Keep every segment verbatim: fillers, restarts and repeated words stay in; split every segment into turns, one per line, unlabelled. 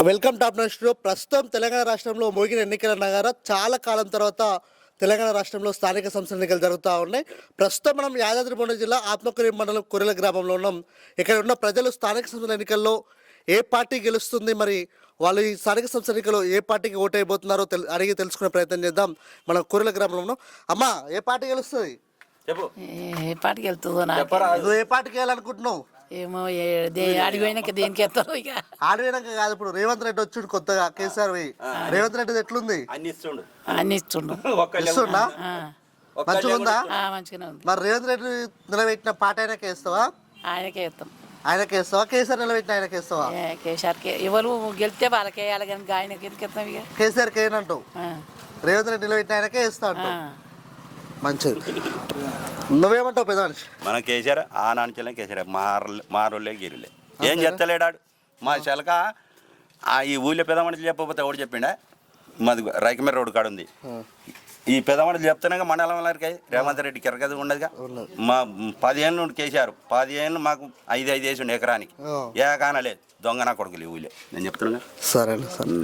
Welcome top news show. ప్రస్తుతం తెలంగాణ రాష్ట్రంలో మోగిన ఎన్నికల నగార చాలా కాలం తర్వాత తెలంగాణ రాష్ట్రంలో స్థానిక సంస్థల ఎన్నికలు జరుగుతూ ఉన్నాయి. ప్రస్తుతం మనం యాదాద్రి భువనగిరి జిల్లా ఆత్మకూరు మండలం కొరెల గ్రామంలో ఉన్నాం. ఇక్కడ ఉన్న ప్రజలు స్థానిక సంస్థల ఎన్నికల్లో ఏ పార్టీ గెలుస్తుంది, మరి వాళ్ళు ఈ స్థానిక సంస్థల ఎన్నికల్లో ఏ పార్టీకి ఓటు అయిపోతున్నారో తెల్ అడిగి తెలుసుకునే ప్రయత్నం చేద్దాం. మనం కొరెల గ్రామంలో ఉన్నాం. అమ్మా, ఏ పార్టీ గెలుస్తుంది?
చెప్పు.
ఏ పాటికి వెళ్తుందో నాకు
నువ్వు ఏ పార్టీకి వెళ్ళాలనుకుంటున్నావు?
ఏమో ఏ- దే- ఆడిపోయినాక దేనికి వెళ్తారో ఇక
ఆడవేనాక కాదు, ఇప్పుడు రేవంత్ రెడ్డి వచ్చి కొత్తగా కేసీఆర్ పోయి రేవంత్ రెడ్డి ఎట్లుంది?
అన్ని ఇస్తుండు.
అన్ని ఇస్తుండు.
ఒక్కళ్ళే
ఇస్తుందా?
ఆ,
మంచిగా ఉందా?
ఆ, మంచిగానే ఉంది.
మరి రేవంత్ రెడ్డి నిలబెట్టిన పాట ఆయనకే ఇస్తావా?
ఆయనకే వేస్తాం.
ఆయనకే ఇస్తావా? కేసీఆర్ నిలబెట్టిన ఆయనకే ఇస్తావా?
ఏ, కేసీఆర్కే ఎవరు గెలిస్తే వాళ్ళకే వేయాలి కానీ ఆయనకి ఎందుకు వెళ్తాం ఇక
కేసీఆర్కి ఏనంటావు?
ఆ,
రేవంత్ రెడ్డి నిలబెట్టిన ఆయనకే ఇస్తా
ఆ.
అంటావు. మంచిది. నువ్వేమంటావు పెద్ద మనిషి?
మనం కేసీఆర్ ఆ నాన్న కేసీఆర్ మారలే మారోళ్ళే గిరిలే ఏం చెప్తలేడాడు. మా చెలక ఆ ఈ ఊళ్ళో పెద్ద మనుషులు చెప్పకపోతే ఎవడు చెప్పిండా? మాది రైకమేర రోడ్డు కాడ ఉంది. ఈ పెద్ద మనుషులు చెప్తున్నాగా మండలం వారికి రేవంత్ రెడ్డి కిరకది ఉండదుగా. మా పదిహేను నుండి కేసీఆర్ పదిహేను మాకు ఐదు ఐదు వేసి ఉండే ఎకరానికి ఏ కానలేదు. దొంగ నా కొడుకులు ఈ ఊళ్ళో నేను చెప్తున్నా.
సరే సరే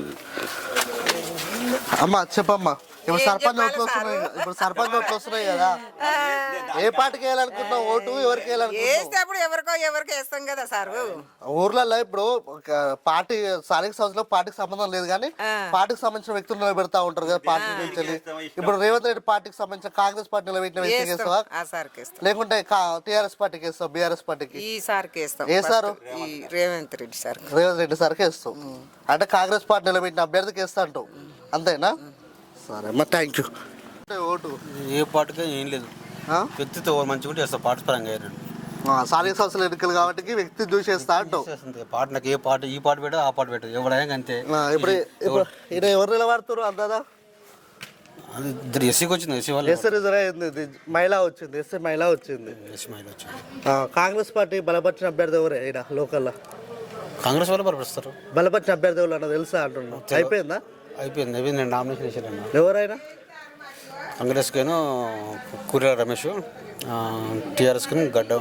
అమ్మా, చెప్పమ్మా. ఇప్పుడు సర్పంచ్ ఓట్లు వస్తున్నాయి కదా, ఇప్పుడు సర్పంచ్ ఓట్లు వస్తున్నాయి కదా, ఏ పార్టీకి వేయాలనుకుంటున్నావు? ఓటు ఎవరికి వేయాలనుకుంటున్నావు?
వేసేటప్పుడు ఎవరికో ఎవరికి వేస్తాం కదా సార్.
ఊర్లలో ఇప్పుడు ఒక పార్టీ స్థానిక సంస్థలో పార్టీకి సంబంధం లేదు కానీ పార్టీకి సంబంధించిన వ్యక్తులు నిలబెడతా ఉంటారు కదా పార్టీ నుంచి వెళ్ళి. ఇప్పుడు రేవంత్ రెడ్డి పార్టీకి సంబంధించిన కాంగ్రెస్ పార్టీ నిలబెట్టిన వ్యక్తికి వేస్తావా,
ఆ సార్కి వేస్తాం.
లేకుంటే టీఆర్ఎస్ పార్టీకి వేస్తావు? బీఆర్ఎస్ పార్టీకి
ఈ సార్కి వేస్తాం.
ఏ సారు?
ఈ రేవంత్ రెడ్డి సార్.
రేవంత్ రెడ్డి సార్కి వేస్తావు అంటే కాంగ్రెస్ పార్టీ నిలబెట్టిన అభ్యర్థికి వేస్తా అంటావు, అంతేనా? సరే అమ్మా, థ్యాంక్ యూ. ఓటు
ఏ పాటగా ఏం లేదు,
ఆ?
వ్యక్తితో మంచిగా ఉంటే చేస్తా. పాట పరంగా అయినాడు
ఆ, స్థానిక సంస్థల ఎన్నికలు కాబట్టి వ్యక్తి చూసేస్తా అంటావు.
పాట నాకు ఏ పాట ఈ పాట పెట్టదు ఆ పాట పెట్టదు ఎవడైనా అంతే.
ఆ, ఇప్పుడు ఇప్పుడు ఈయన ఎవరు నిలబడుతున్నారు అందాదా?
అది ఇద్దరు ఎస్సీకి వచ్చింది, ఎస్సీ వాళ్ళు
ఎస్సీ రిజర్వ్ అయింది, ఇది మహిళ వచ్చింది, ఎస్సీ మహిళ వచ్చింది.
ఎస్సీ మహిళ వచ్చింది.
ఆ, కాంగ్రెస్ పార్టీ బలపరిచిన అభ్యర్థి ఎవరే ఈడ లోకల్లో?
కాంగ్రెస్ వాళ్ళు బలపరుస్తారు.
బలపరిచిన అభ్యర్థి ఎవరు అన్న తెలుసా అంటున్నా? అయిపోయిందా?
అయిపోయింది అయిపోయింది నేను నామినేషన్ వేసాను.
ఎవరైనా
కాంగ్రెస్కేను కూరెల రమేష్, టీఆర్ఎస్కి గడ్డ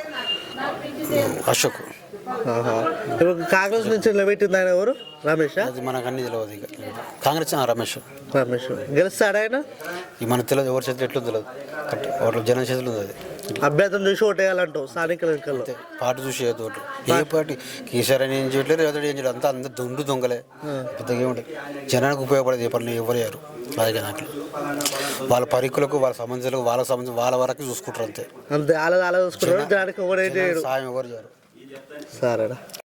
అశోక్.
ఆహా. ఇప్పుడు కాంగ్రెస్ నుంచి నిలబెట్టింది ఆయన ఎవరు? రమేష్.
అది మనకు అన్ని తెలియదు. ఇక కాంగ్రెస్ ఆ రమేష్
రమేష్ గెలుస్తాడు ఆయన?
ఇక మనకు తెలియదు, ఎవరి చేతులు ఎట్లా తెలియదు. ఎవరి జనం చేతులు ఉంది అది.
అభ్యర్థిని చూసి ఓటేయాలంటావు స్థానిక ఎన్నికల్లో?
పాట చూసి ఏ తోటి ఏ పార్టీ కేసీఆర్ అని ఏం చేయట్లేదు, రేవంత్ రెడ్డి ఏం చేయలేదు. అంతా అందరు దొండు దొంగలే. పెద్దగా ఏముంటుంది జనానికి ఉపయోగపడేది ఏ పనులు ఎవరయ్యారు రాజకీయ వాళ్ళ పరికులకు వాళ్ళ సంబంధాలకు వాళ్ళ సంబంధం వాళ్ళ వరకు చూసుకుంటారు అంతే.
అంతే అలా అలా చూసుకుంటారు, దానికి ఒకటి
సాయం ఎవరు చేయరు.
సరేనా.